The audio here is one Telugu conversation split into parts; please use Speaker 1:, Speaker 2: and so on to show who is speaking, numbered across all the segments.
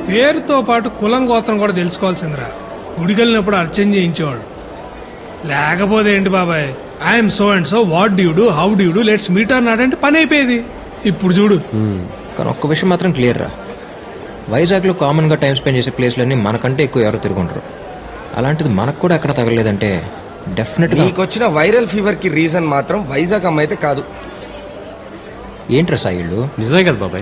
Speaker 1: పేరుతో పాటు కులం గోత్రం కూడా తెలుసుకోవాల్సిందిరా. గుడికెళ్ళినప్పుడు అర్చన చేయించేవాడు. లేకపోతే ఏంటి బాబాయ్, I'm so and so, what do do, how do do, let's meet అన్నాడంటే పని అయిపోయేది. ఇప్పుడు చూడు.
Speaker 2: కానీ ఒక్క విషయం మాత్రం క్లియర్ రా, వైజాగ్లో కామన్గా టైం స్పెండ్ చేసే ప్లేస్లన్నీ మనకంటే ఎక్కువ ఎవరు తిరుగుంటారు. అలాంటిది మనకు కూడా ఎక్కడ తగలేదంటే డెఫినెట్గా
Speaker 3: నీకు వచ్చిన వైరల్ ఫీవర్ కి రీజన్ మాత్రం వైజాగ్ అమ్మ అయితే కాదు.
Speaker 2: ఏంట్రా సాయిళ్ళు?
Speaker 4: నిజమే కదా బాబాయ్.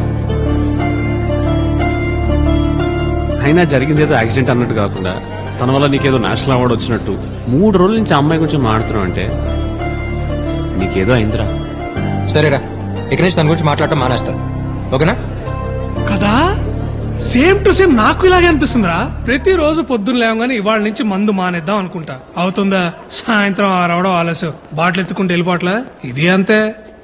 Speaker 4: అయినా జరిగింది ఏదో యాక్సిడెంట్ అన్నట్టు కాకుండా తన వల్ల నీకేదో నేషనల్ అవార్డు వచ్చినట్టు 3 రోజుల నుంచి ఆ అమ్మాయి గురించి మాట్లాడుతున్నావు అంటే నీకేదో అయిందిరా.
Speaker 2: సరేరా, ఇక్కడి నుంచి తన గురించి మాట్లాడటం మానేస్తారు, ఓకేనా?
Speaker 1: కదా, సేమ్ టు సేమ్ నాకు ఇలాగే అనిపిస్తుందిరా. ప్రతిరోజు పొద్దున్న లేవగానే ఇవాళ నుంచి మందు మానేద్దాం అనుకుంటా. అవుతుందా? సాయంత్రం 6 అవడం ఆలస్యం, బాటిల్ ఎత్తుకుంటూ వెళ్ళిపోవట్లే. ఇది అంతే.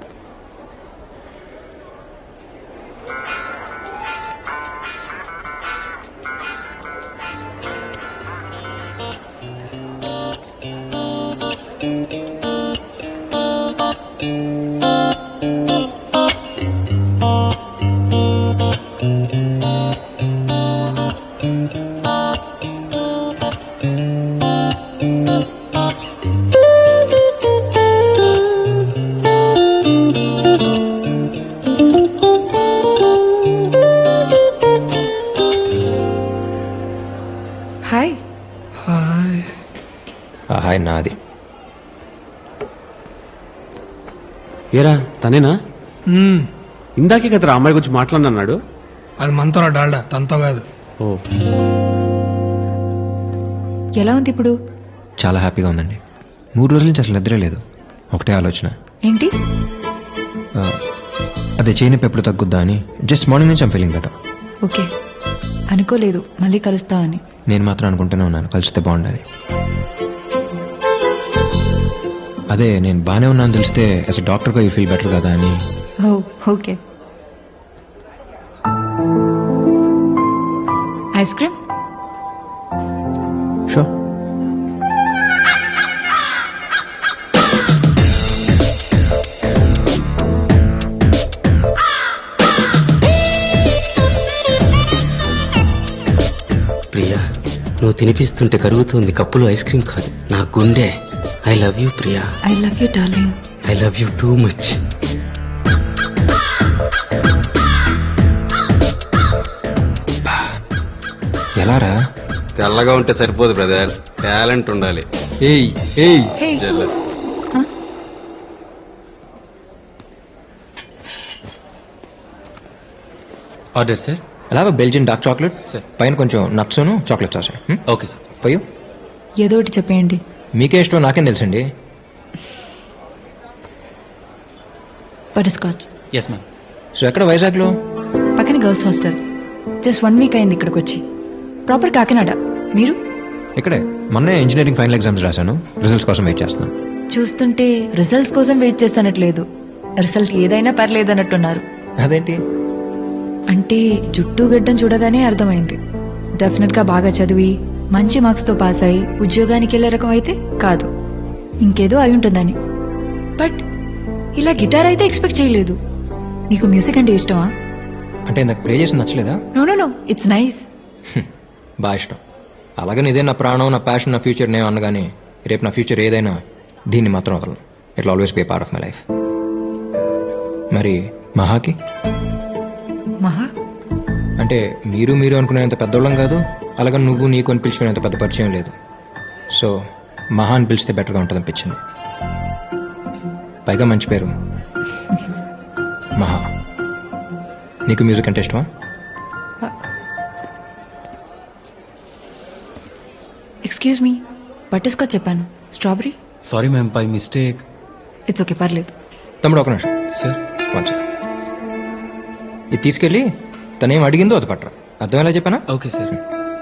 Speaker 5: హాయ్.
Speaker 1: హాయ్.
Speaker 2: హాయ్ నాది.
Speaker 4: ఏరా తనేనా? ఇందాకే కదరా అమ్మాయి గురించి మాట్లాడినాడు.
Speaker 1: అది మనతో డాల్డా, తనతో కాదు.
Speaker 4: ఓ,
Speaker 5: ఎలా ఉంది ఇప్పుడు?
Speaker 2: చాలా హ్యాపీగా ఉందండి. 3 రోజుల నుంచి అసలు నిద్రే లేదు. ఒకటే ఆలోచన,
Speaker 5: ఏంటి?
Speaker 2: అదే చేయనొప్పి ఎప్పుడు తగ్గుద్దా అని. జస్ట్ మార్నింగ్ నుంచి ఐమ్ ఫీలింగ్ బెటర్.
Speaker 5: ఓకే, అనుకోలేదు మళ్ళీ కలుస్తా అని.
Speaker 2: నేను మాత్రం అనుకుంటూనే ఉన్నాను కలిస్తే బాగుండాలి. అదే నేను బాగానే ఉన్నాను తెలిస్తే యాజ్ అ డాక్టర్గా యూ ఫీల్ బెటర్ కదా అని.
Speaker 5: Oh okay. Ice cream?
Speaker 2: Sure.
Speaker 6: Priya, నువ్వు తినిపిస్తుంటే కరుగుతుంది కప్పులో ఐస్ క్రీమ్ కాదు, నా గుండె. I love you Priya.
Speaker 5: I love you darling.
Speaker 6: I love you too much.
Speaker 2: ఎలారా?
Speaker 6: తెల్లగా ఉంటే సరిపోదు బ్రదర్, టాలెంట్ ఉండాలి.
Speaker 2: Hey hey
Speaker 5: hey.
Speaker 6: Jealous.
Speaker 2: Order sir. అలా బెల్జియన్ డార్క్ చాక్లెట్ సార్, పైన కొంచెం నట్స్ను చాక్లెట్ సాస్. Okay sir. పోయూ
Speaker 5: ఏదో ఒకటి చెప్పేయండి.
Speaker 2: మీకే ఇష్టం నాకేం తెలుసండి.
Speaker 5: Butter scotch.
Speaker 2: Yes ma'am. So ఎక్కడ వైజాగ్లో?
Speaker 5: పక్కన గర్ల్స్ హాస్టల్. జస్ట్ 1 వీక్ అయింది ఇక్కడికి వచ్చి. ప్రాపర్ కాకినాడ. మీరు?
Speaker 2: ఇక్కడే. మొన్నే ఇంజనీరింగ్ ఫైనల్ ఎగ్జామ్స్ రాశాను, రిజల్ట్స్ కోసం వెయిట్ చేస్తున్నాను.
Speaker 5: చూస్తుంటే రిజల్ట్స్ కోసం వెయిట్ చేస్తానట్లేదు, రిజల్ట్ ఏదైనా పర్లేదన్నట్టున్నారు.
Speaker 2: అదేంటి?
Speaker 5: అంటే జుట్టు గడ్డం చూడగానే అర్థమైంది. డెఫినెట్ గా బాగా చదివి మంచి మార్క్స్ తో పాస్ అయి ఉద్యోగానికి వెళ్లే రకం అయితే కాదు, ఇంకేదో అయి ఉంటుందని. బట్ ఇలా గిటార్ అయితే ఎక్స్పెక్ట్ చేయలేదు. నీకు మ్యూజిక్ అంటే ఇష్టమా?
Speaker 2: అంటే నాకు ప్లే చేసి నచ్చలేదా?
Speaker 5: No no no, it's nice.
Speaker 2: బాగా ఇష్టం. అలాగని ఇదే నా ప్రాణం, నా ప్యాషన్, నా ఫ్యూచర్ నేను అనగానే రేపు నా ఫ్యూచర్ ఏదైనా దీన్ని మాత్రం వదలను. It will always be part of my life. మరి మహాకి?
Speaker 5: మహా
Speaker 2: అంటే మీరు అనుకునేంత పెద్దోళ్ళం కాదు, అలాగని నువ్వు నీకు అని పిలుచుకునేంత పెద్ద పరిచయం లేదు. సో మహా అని పిలిస్తే బెటర్గా ఉంటుంది అనిపించింది. పైగా మంచి పేరు మహా. నీకు మ్యూజిక్ అంటే ఇష్టమా?
Speaker 5: ఎక్స్క్యూజ్ మీ, బటర్ స్కాచ్ చెప్పాను, strawberry.
Speaker 4: Sorry ma'am, by mistake.
Speaker 5: It's okay, పర్లేదు.
Speaker 2: తమ్ముడు ఒక నిమిషం
Speaker 4: సార్.
Speaker 2: One second. ఇది తీసుకెళ్ళి తనేం అడిగిందో అది పట్టరా. అర్థమేలా చెప్పానా?
Speaker 4: Okay sir.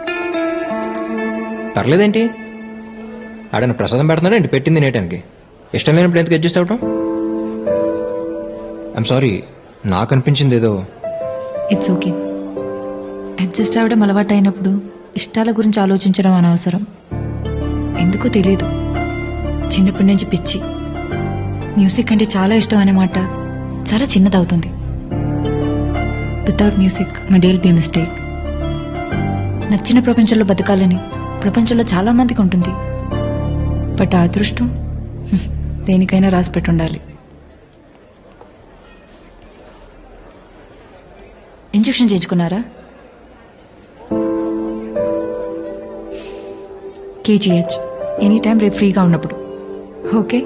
Speaker 2: పర్లేదేంటి, ఆడన ప్రసాదం పెడుతున్నాడు ఏంటి పెట్టింది నేటానికి. ఇష్టం లేనప్పుడు ఎందుకు అడ్జస్ట్ అవటం? ఐఎమ్ సారీ, నాకు అనిపించింది ఏదో.
Speaker 5: It's okay. అడ్జస్ట్ అవ్వడం అలవాటు అయినప్పుడు ఇష్టాల గురించి ఆలోచించడం అనవసరం. ఎందుకో తెలీదు, చిన్నప్పటి నుంచి పిచ్చి. మ్యూజిక్ అంటే చాలా ఇష్టం అనే మాట చాలా చిన్నదవుతుంది. Without music my day will be mistake. నచ్చిన ప్రపంచంలో బతకాలని ప్రపంచంలో చాలా మందికి ఉంటుంది. బట్ ఆ అదృష్టం దేనికైనా రాసి పెట్టుండాలి. ఇంజెక్షన్ చేయించుకున్నారా? కేజీహెచ్ ఎనీ టైం రేపు ఫ్రీగా ఉన్నప్పుడు. ఓకే.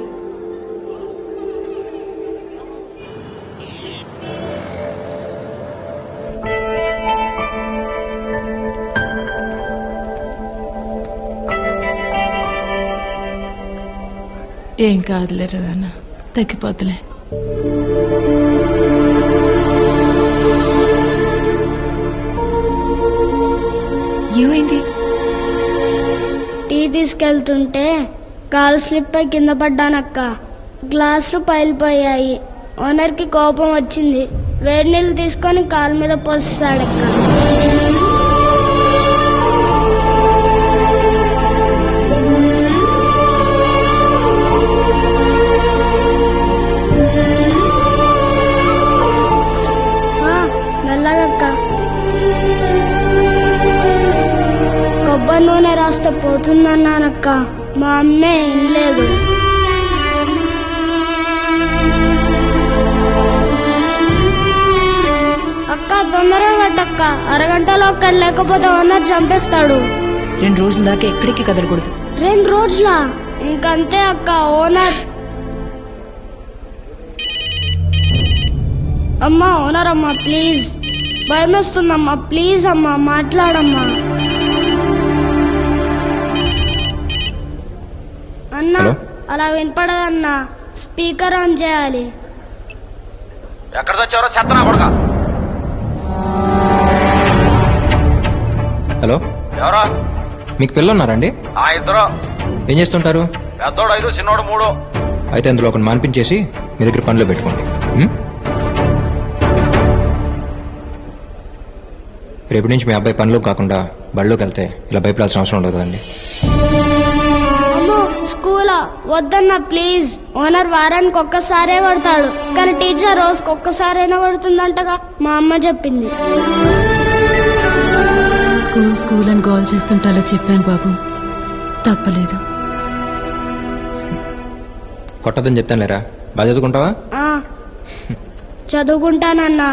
Speaker 7: ఏం కాదులేరు నాన్న, తగ్గిపోతులే.
Speaker 5: ఏమైంది?
Speaker 8: టీ తీసుకెళ్తుంటే కాలు స్లిప్ అయి కింద పడ్డానక్క. గ్లాసులు పైలిపోయాయి. ఓనర్కి కోపం వచ్చింది. వేడి నీళ్ళు తీసుకొని కాలు మీద పోస్తాడక్క. మెల్లగక్క. కొబ్బరి నూనె రాస్తే పోతుందన్నానక్క. మా అమ్మే వినలేదు. అక్క తొందరగా కట్టక్క, అరగంటలో అక్కడ లేకపోతే ఓనర్ చంపేస్తాడు.
Speaker 5: 2 రోజుల దాకా ఎక్కడికి కదలకూడదు.
Speaker 8: 2 రోజులా? ఇంకంతే అక్క. ఓనర్ అమ్మా, ఓనర్ అమ్మా ప్లీజ్, భయం వస్తుందమ్మా, ప్లీజ్ అమ్మా మాట్లాడమ్మా. అన్నా
Speaker 2: హలో?
Speaker 8: అలా వినపడదన్నా, స్పీకర్ ఆన్ చేయాలి.
Speaker 3: ఎక్కడ తెచ్చారో చెత్తనా కొడుక.
Speaker 2: హలో,
Speaker 3: ఎవరా?
Speaker 2: మీకు పిల్లలు ఉన్నారండి?
Speaker 3: ఆ ఇద్దరు.
Speaker 2: ఏం చేస్తుంటారు?
Speaker 3: పెద్దోడు 5, చిన్నోడు 3.
Speaker 2: అయితే అందులో ఒకటి మాన్పించేసి మీ దగ్గర పనిలో పెట్టుకోండి. ఉం? రేపటి నుంచి మీ అబ్బాయి పనిలో కాకుండా బడిలోకి వెళ్తే ఇలా భయపడాల్సిన అవసరం ఉండదు కదండి.
Speaker 8: అమ్మో స్కూలా? వద్దన్నా ప్లీజ్. ఓనర్ వారానికి ఒక్కసారే కొడతాడు, కానీ టీచర్ రోజుకి ఒక్కసారైనా కొడుతుందంటగా మా అమ్మ చెప్పింది.
Speaker 7: స్కూల్ అని గోల్ చేస్తుంటే అలా చెప్పాను బాబు, తప్పలేదు.
Speaker 2: కొట్టదని చెప్తాను లేరా, బాగా చదువుకుంటావా?
Speaker 8: ఆ, చదువుకుంటానన్నా.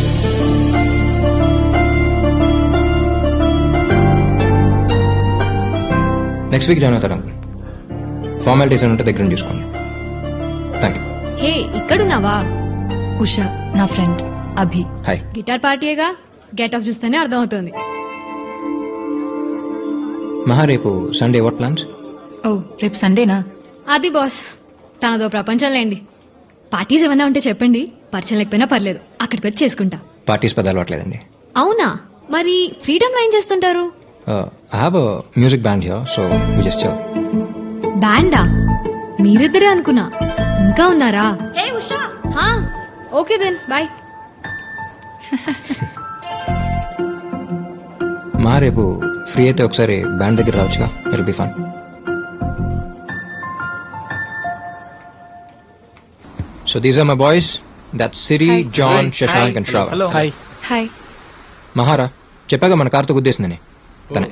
Speaker 2: నెక్స్ట్ వీక్ జాయిన్ అవుతాడు అంకుల్. ఫార్మాలిటీస్ ఉంటే దగ్గర చూసుకోండి. Thank you.
Speaker 9: హే, ఇక్కడున్నావా?
Speaker 5: ఉషా నా ఫ్రెండ్. అభి.
Speaker 2: హాయ్.
Speaker 9: గిటార్ పార్టీయేగా, గెట్ ఆఫ్ చూస్తేనే అర్థమవుతుంది.
Speaker 2: మహా, రేపు సండే వాట్ ప్లాన్స్?
Speaker 5: ఓ రేపు సండేనా?
Speaker 9: అది బాస్, తనదో ప్రపంచం లేండి. పార్టీస్ ఏమైనా ఉంటే చెప్పండి, పరిచయం లేకపోయినా పర్లేదు, అక్కడికి వచ్చి చేసుకుంటా.
Speaker 2: పార్టీస్ పెద్ద అలవాట్లేదండి.
Speaker 9: అవునా? మరి ఫ్రీడమ్ లో ఏం చేస్తుంటారు?
Speaker 2: I have a music band here, so we just chill.
Speaker 9: బ్యాండా? మీరిద్దరే అనుకున్నా, ఇంకా ఉన్నారా? హా, ఓకే దెన్ బాయ్.
Speaker 2: మా రేపు ఫ్రీ అయితే ఒకసారి బ్యాండ్ దగ్గర రావచ్చుగా, it be fun. So these are my boys. That's Siri, John, Shashank and Shravan.
Speaker 4: Hi.
Speaker 5: Hi.
Speaker 2: మహారా, చెప్పాగా మన కార్తో గుద్దేసిందని. తనే.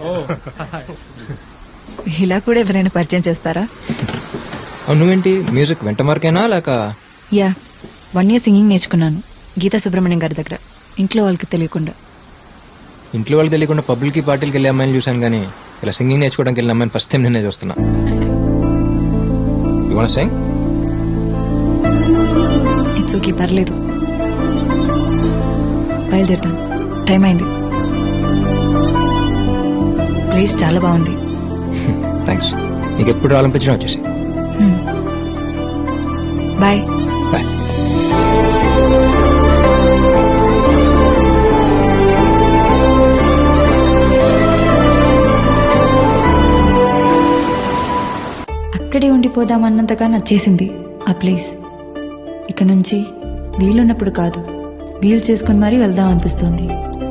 Speaker 5: ఇలా కూడా ఎవరైనా పరిచయం చేస్తారా?
Speaker 2: అవును, నువ్వేంటి మ్యూజిక్ వెంట మార్కేనా లేక?
Speaker 5: యా, 1 year సింగింగ్ నేర్చుకున్నాను గీతా సుబ్రహ్మణ్యం గారి దగ్గర, ఇంట్లో వాళ్ళకి తెలియకుండా.
Speaker 2: ఇంట్లో వాళ్ళకి తెలియకుండా పబ్లిక్ పార్టీలకి వెళ్ళే అమ్మాయిని చూశాను, కానీ ఇలా సింగింగ్ నేర్చుకోవడానికి వెళ్ళిన అమ్మాయిని ఫస్ట్ టైం నేనే చూస్తున్నా. You want to sing?
Speaker 5: It's okay, పర్లేదు. బయలుదేరుతాను, టైం అయింది. ప్లేస్ చాలా బాగుంది.
Speaker 2: థ్యాంక్స్. నీకు ఎప్పుడు రావాలనిపించినా వచ్చేసి.
Speaker 5: బాయ్.
Speaker 2: బాయ్.
Speaker 5: అక్కడే ఉండిపోదామన్నంతగా నచ్చేసింది ఆ ప్లేస్. ఇక నుంచి వీలున్నప్పుడు కాదు, వీలు చేసుకుని మరీ వెళ్దాం అనిపిస్తోంది.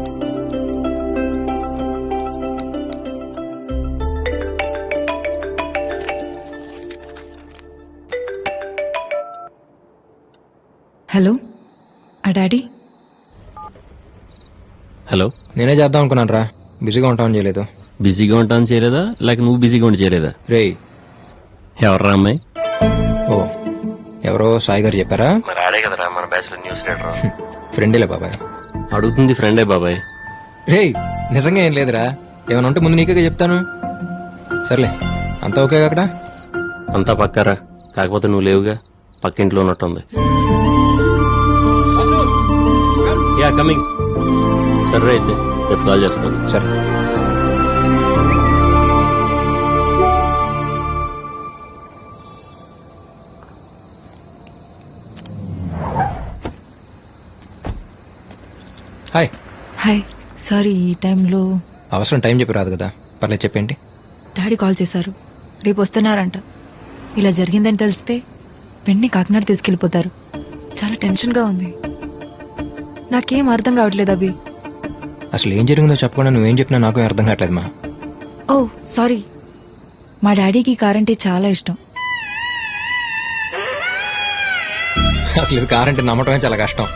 Speaker 5: హలో, ఆ డాడీ?
Speaker 4: హలో.
Speaker 2: నేనే చేద్దాం అనుకున్నాను రా. బిజీగా ఉంటామని చేయలేదు.
Speaker 6: బిజీగా ఉంటాను చేయలేదా లేక నువ్వు బిజీగా ఉండి చేయలేదా?
Speaker 2: రేయ్,
Speaker 6: ఎవర్రా అమ్మాయి?
Speaker 2: ఓ ఎవరో సాయి గారు చెప్పారా?
Speaker 6: మరి ఆడే కదరా మన బ్యాచ్లో న్యూస్ రీడర్.
Speaker 2: ఫ్రెండేలే బాబాయ్.
Speaker 6: అడుగుతుంది ఫ్రెండే బాబాయ్.
Speaker 2: రేయ్, నిజంగా ఏం లేదురా. ఏమైనా ఉంటే ముందు నీకే చెప్తాను. సర్లే, అంతా ఓకే అక్కడ?
Speaker 6: అంతా పక్కారా, కాకపోతే నువ్వు లేవుగా, పక్కింట్లో ఉన్నట్టుంది. Yeah coming. సరే అయితే రేపు కాల్ చేస్తాను.
Speaker 2: సరే. హాయ్.
Speaker 5: హాయ్, సారీ ఈ టైంలో
Speaker 2: అవసరం టైం చెప్పి రాదు కదా. పర్లేదు, చెప్పేంటి?
Speaker 5: డాడీ కాల్ చేశారు, రేపు వస్తున్నారంట. ఇలా జరిగిందని తెలిస్తే వెంటనే కాకినాడ తీసుకెళ్ళిపోతారు. చాలా టెన్షన్గా ఉంది. నాకేం అర్థం కావట్లేదు అభి.
Speaker 2: అసలు ఏం జరిగిందో చెప్పకుండా నువ్వేం చెప్పినా నాకు ఏం అర్థం కావట్లేదు మా.
Speaker 5: ఓ సారీ, మా డాడీకి కార్ అంటే చాలా ఇష్టం.
Speaker 2: అసలు ఇది కార్ అంటే నమ్మటమే చాలా కష్టం.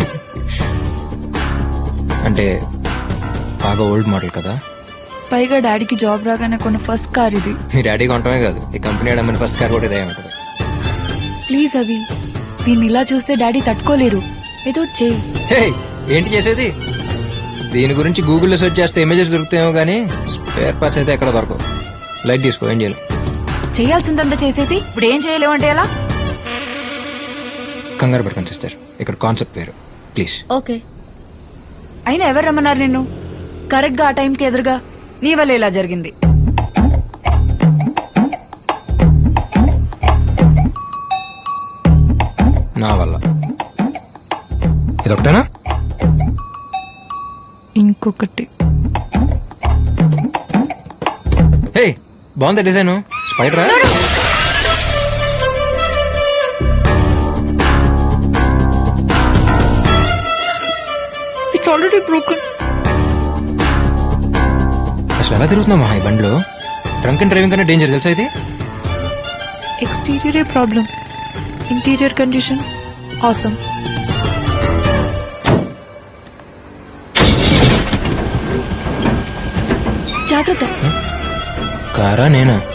Speaker 2: అంటే బాగా ఓల్డ్ మోడల్ కదా.
Speaker 5: పైగా డాడీకి జాబ్ రాగానే కొన్న ఫస్ట్ కార్ ఇది.
Speaker 2: మీ డాడీ కొనటమే కాదు, ఈ కంపెనీ అడమని ఫస్ట్ కార్ కూడా ఇదే ఉంటుంది.
Speaker 5: ప్లీజ్ అభి, దీన్ని ఇలా చూస్తే డాడీ తట్టుకోలేరు. ఏదో చేయి.
Speaker 2: హే, ఏంటి చేసేది? దీని గురించి గూగుల్లో సెర్చ్ చేస్తే ఇమేజెస్ దొరుకుతాయేమో కానీ స్పేర్ పార్ట్స్ అయితే ఎక్కడ దొరకవు. లైట్ తీసుకో, ఏం చేయాలి?
Speaker 5: చేయాల్సిందంతా చేసేసి ఇప్పుడు ఏం చేయలేవు అంటే ఎలా?
Speaker 2: కంగారు పడుకొని సిస్టర్, ఇక్కడ కాన్సెప్ట్ వేరు. ప్లీజ్.
Speaker 5: ఓకే. అయినా ఎవరు రమ్మన్నారు నిన్ను? కరెక్ట్ గా ఆ టైంకి ఎదురుగా నీ వల్ల ఇలా జరిగింది.
Speaker 2: నా వల్ల. ఇదొకటేనా?
Speaker 5: ఇంకొకటి.
Speaker 2: హే, బాగుంది డిజైన్. స్పైడరా?
Speaker 5: It's already broken.
Speaker 2: అసలు ఎలా తిరుగుతున్నావు మా ఈ బండిలో? డ్రంక్ అండ్ డ్రైవింగ్ కన్నా డేంజర్ తెలుసా ఇది?
Speaker 5: ఎక్స్టీరియరే ప్రాబ్లం, ఇంటీరియర్ కండిషన్ ఆసమ్. జాగ్రత్త.
Speaker 2: కారా నేనా?